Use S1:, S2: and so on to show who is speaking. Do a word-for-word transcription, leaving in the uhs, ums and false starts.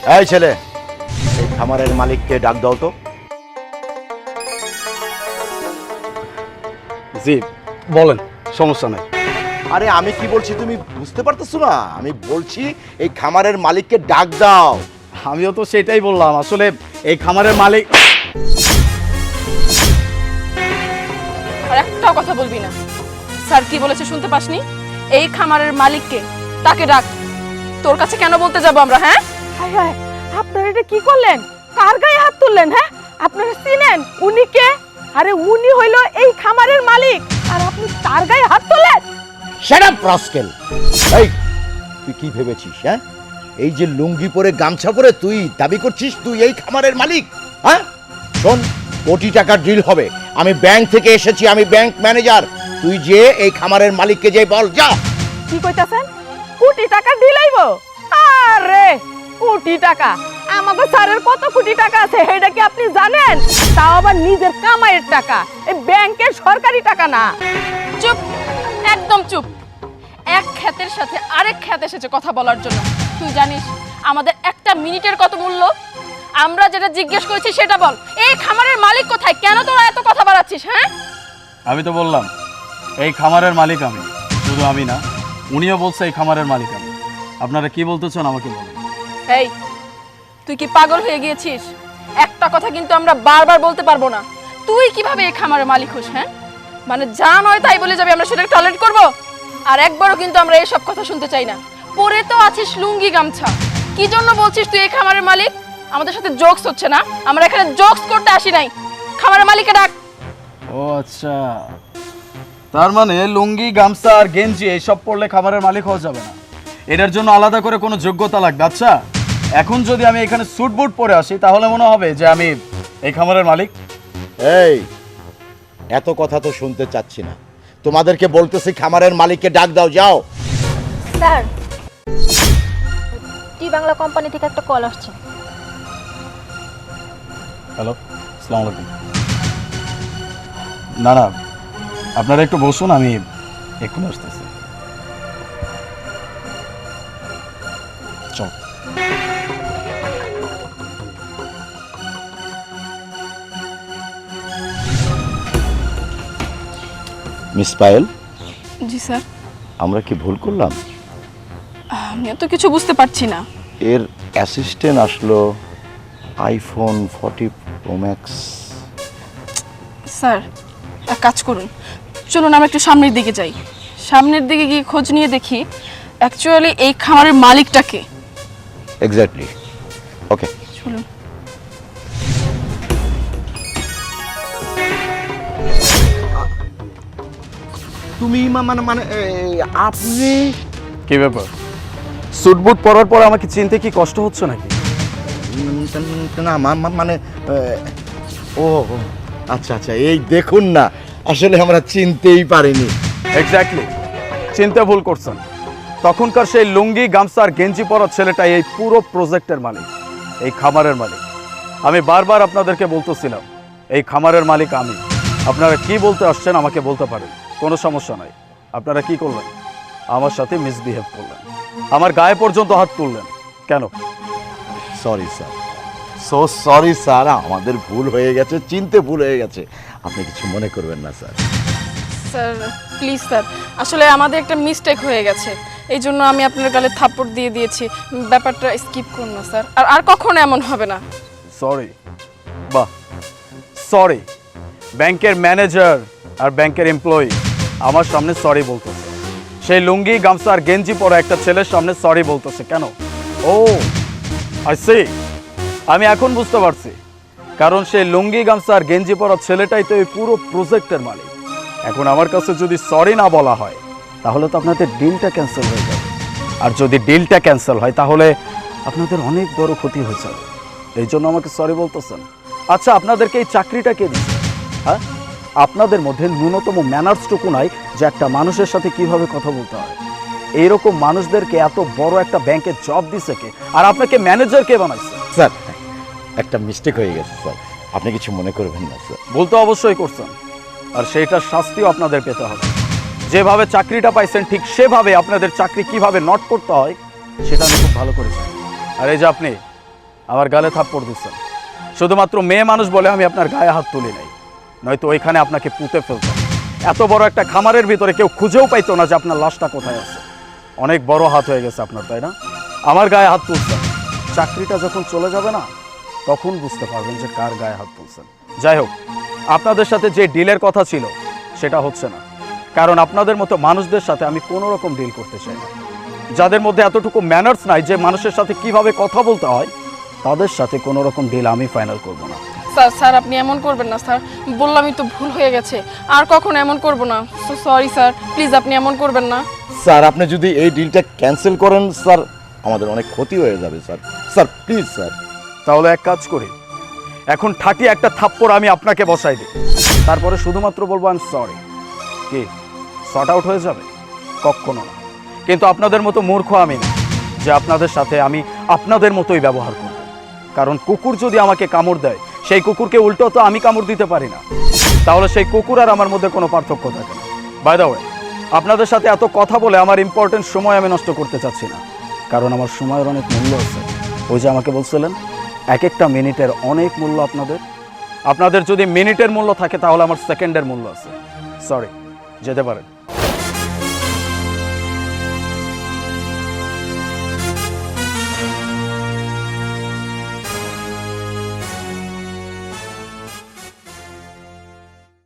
S1: এই ছেলে, এই খামারের মালিককে ডাক দাও তো।
S2: জি বলেন, সমস্যা নাই।
S1: আরে আমি কি বলছি তুমি বুঝতে পারতেছো না? আমি বলছি এই খামারের মালিককে ডাক দাও।
S2: আমিও তো সেটাই বললাম, আসলে এই খামারের মালিক।
S3: আর একটাও কথা বলবি না। স্যার কি বলেছে শুনতে পাসনি? এই খামারের মালিককে, তাকে ডাক। তোর কাছে কেন বলতে যাব আমরা? হ্যাঁ
S4: হায় হায়, আপনারা এটা কি করলেন? কার গায়ে হাত তুললেন? হ্যাঁ, আপনারা চিনেন উনি কে? আরে উনি হইল এই খামারের মালিক, আর আপনি তার গায়ে হাত তুললেন?
S1: Shut up rascal! এই তুই কি ভেবেছিস? হ্যাঁ, এই যে লুঙ্গি পরে গামছা পরে তুই দাবি করছিস তুই এই খামারের মালিক? হ্যাঁ শোন, কোটি টাকার ডিল হবে। আমি ব্যাংক থেকে এসেছি, আমি ব্যাংক ম্যানেজার। তুই যে এই খামারের মালিককে যে বল, যা।
S4: কি কইতাছেন? কোটি টাকা দিলাইব? আরে কোটি টাকা! আমাদের স্যারের কত কোটি টাকা আছে এটা কি আপনি জানেন? তাও আবার নিজের কামাইয়ের টাকা, এই ব্যাংকের সরকারি টাকা না।
S3: চুপ, একদম চুপ। এক খ্যাতের সাথে আরেক খ্যাত এসেছে কথা বলার জন্য। তুই জানিস আমাদের একটা মিনিটের কত মূল্য? আমরা যেটা জিজ্ঞেস করেছি সেটা বল। এই খামারের মালিক কোথায়? কেন তোরা এত কথা বাড়াচ্ছিস? হ্যাঁ,
S2: আমি তো বললাম এই খামারের মালিক আমি। শুধু আমি না, উনিও বলছে এই খামারের মালিক আমি। আপনারা কি বলতে চান আমাকে বলুন।
S3: এই তুই কি পাগল হয়ে গিয়েছিস? একটা কথা কিন্তু আমরা বারবার বলতে পারবো না। তুই কিভাবে এই খামারের মালিক হোস? হ্যাঁ, মানে যা নয় তাই বলে যাবে, আমরা সেটাকে টলারেট করব? আর একবারও কিন্তু আমরা এসব কথা শুনতে চাই না। পরে তো আছিস লুঙ্গি গামছা, কি জন্য বলছিস তুই এই খামারের মালিক? আমাদের সাথে জোকস হচ্ছে না? আমরা এখানে জোকস করতে আসি নাই। খামারের মালিককে ডাক।
S2: ও আচ্ছা, তার মানে লুঙ্গি গামছা আর গেঞ্জি এইসব পরলে খামারের মালিক হওয়া যাবে না, এটার জন্য আলাদা করে কোনো যোগ্যতা লাগবে। আচ্ছা, এখন যদি আমি এখানে স্যুট বুট পরে আসি তাহলে মনে হবে যে আমি এই খামারের মালিক?
S1: এই এত কথা তো শুনতে চাচ্ছি না, তোমাদেরকে বলতেছি খামারের মালিককে ডাক দাও, যাও।
S5: স্যার, টি বাংলা কোম্পানি থেকে একটা কল আসছে।
S2: হ্যালো, আসসালামু আলাইকুম। না না, আপনারা একটু বসুন, আমি এক্ষুনি আসতেছি। চল।
S1: মিস পায়েল,
S3: জি স্যার।
S1: আমরা কি ভুল করলাম?
S3: আমি তো কিছু বুঝতে পারছি না।
S1: এর অ্যাসিস্ট্যান্ট আসলো iPhone forty pro max.
S3: Sir এক কাজ করুন, চলুন আমরা একটু সামনের দিকে যাই। সামনের দিকে গিয়ে খোঁজ নিয়ে দেখি অ্যাকচুয়ালি এই খামারের মালিকটাকে।
S1: এক্স্যাক্টলি, ওকে
S3: চলুন।
S1: তুমি মানে মানে আপনি
S2: কি ব্যাপার, স্যুট বুট পরার পর আমাকে চিনতে কি কষ্ট হচ্ছে নাকি?
S1: না মানে ও আচ্ছা আচ্ছা, এই দেখুন না, আসলে আমরা চিনতেই পারিনি।
S2: এক্স্যাক্টলি, চিন্তা ভুল করছেন। তখনকার সেই লুঙ্গি গামছা আর গেঞ্জি পরা ছেলেটাই এই পুরো প্রজেক্টের মালিক, এই খামারের মালিক। আমি বারবার আপনাদেরকে বলতেছিলাম এই খামারের মালিক আমি। আপনারা কি বলতে আসছেন আমাকে বলতে পারেন, কোনো সমস্যা নাই। আপনারা কি করলেন? আমার সাথে মিসবিহেভ করলেন, আমার গায়ে পর্যন্ত হাত তুললেন কেন?
S1: Sorry sir, so sorry sir, আমাদের ভুল হয়ে গেছে, চিনতে ভুল হয়ে গেছে, আপনি কিছু মনে করবেন না স্যার।
S3: স্যার প্লিজ স্যার, আসলে আমাদের একটা মিস্টেক হয়ে গেছে, এই জন্য আমি আপনার গালে থাপ্পড় দিয়ে দিয়েছি। ব্যাপারটা স্কিপ করুন না স্যার, আর আর কখনো এমন হবে না।
S2: সরি? বাহ, সরি। ব্যাংকের ম্যানেজার আর ব্যাংকের এমপ্লয়ি আমার সামনে সরি বলতেছে, সেই লুঙ্গি গামছা আর গেঞ্জি পরা একটা ছেলের সামনে সরি বলতেছে কেন? ও আই সি, আমি এখন বুঝতে পারছি। কারণ সেই লুঙ্গি গামছা আর গেঞ্জি পরা ছেলেটাই তো এই পুরো প্রজেক্টের মালিক। এখন আমার কাছে যদি সরি না বলা হয় তাহলে তো আপনাদের ডিলটা ক্যান্সেল হয়ে যাবে, আর যদি ডিলটা ক্যান্সেল হয় তাহলে আপনাদের অনেক বড় ক্ষতি হয়ে যাবে। এই জন্য আমাকে সরি বলতেছেন? আচ্ছা, আপনাদেরকে এই চাকরিটা কে দিচ্ছে? হ্যাঁ, আপনাদের মধ্যে ন্যূনতম ম্যানার্সটুকু নাই যে একটা মানুষের সাথে কিভাবে কথা বলতে হয়। এইরকম মানুষদেরকে এত বড় একটা ব্যাংকে জব দিছে কে? আর আপনাকে ম্যানেজার কে বানাইছে?
S1: স্যার একটা মিস্টেক হয়ে গেছে স্যার, আপনি কিছু মনে করবেন না স্যার।
S2: ভুল তো অবশ্যই করছেন, আর সেইটার শাস্তিও আপনাদের পেতে হবে। যেভাবে চাকরিটা পাইছেন ঠিক সেভাবে আপনাদের চাকরি কিভাবে নট করতে হয় সেটা আমি খুব ভালো করে জানি। আর এই যে আপনি আমার গালে থাপ্পড় দিচ্ছেন শুধুমাত্র মেয়ে মানুষ বলে আমি আপনার গায়ে হাত তুলি নাই, নয়তো ওইখানে আপনাকে পুঁতে ফেলতাম। এত বড় একটা খামারের ভিতরে কেউ খুঁজেও পাইতো না যে আপনার লাশটা কোথায় আছে। অনেক বড় হাত হয়ে গেছে আপনার, তাই না? আমার গায়ে হাত তুলছেন, চাকরিটা যখন চলে যাবে না তখন বুঝতে পারবেন যে কার গায়ে হাত তুলছেন। যাই হোক, আপনাদের সাথে যে ডিলের কথা ছিল সেটা হচ্ছে না, কারণ আপনাদের মতো মানুষদের সাথে আমি কোনো রকম ডিল করতে চাই না। যাদের মধ্যে এতটুকু ম্যানার্স নাই যে মানুষের সাথে কিভাবে কথা বলতে হয়, তাদের সাথে কোনো রকম ডিল আমি ফাইনাল করব না।
S3: স্যার স্যার আপনি এমন করবেন না স্যার, বললামই তো ভুল হয়ে গেছে, আর কখনো এমন করব না। সরি স্যার, প্লিজ আপনি এমন করবেন না।
S1: স্যার আপনি যদি এই ডিলটা ক্যান্সেল করেন স্যার, আমাদের অনেক ক্ষতি হয়ে যাবে স্যার। Sir please sir.
S2: তাহলে এক কাজ করি, এখন ঠাটি একটা থাপ্পড় আমি আপনাকে বসাই দিই, তারপরে শুধুমাত্র বলবো আই এম সরি। কি শর্ট আউট হয়ে যাবে? কখনো না। কিন্তু আপনাদের মতো মূর্খ আমি না যে আপনাদের সাথে আমি আপনাদের মতোই ব্যবহার করব। কারণ কুকুর যদি আমাকে কামড় দেয়, সেই কুকুরকে উল্টো তো আমি কামড় দিতে পারি না, তাহলে সেই কুকুর আর আমার মধ্যে কোনো পার্থক্য থাকে না। বাই দ্য ওয়ে, আপনাদের সাথে এত কথা বলে আমার ইম্পর্টেন্ট সময় আমি নষ্ট করতে চাচ্ছি না, কারণ আমার সময়ের অনেক মূল্য আছে। ওই যে আমাকে বলছিলেন এক একটা মিনিটের অনেক মূল্য আপনাদের, আপনাদের যদি মিনিটের মূল্য থাকে তাহলে আমার সেকেন্ডের মূল্য আছে। সরি, যেতে পারেন।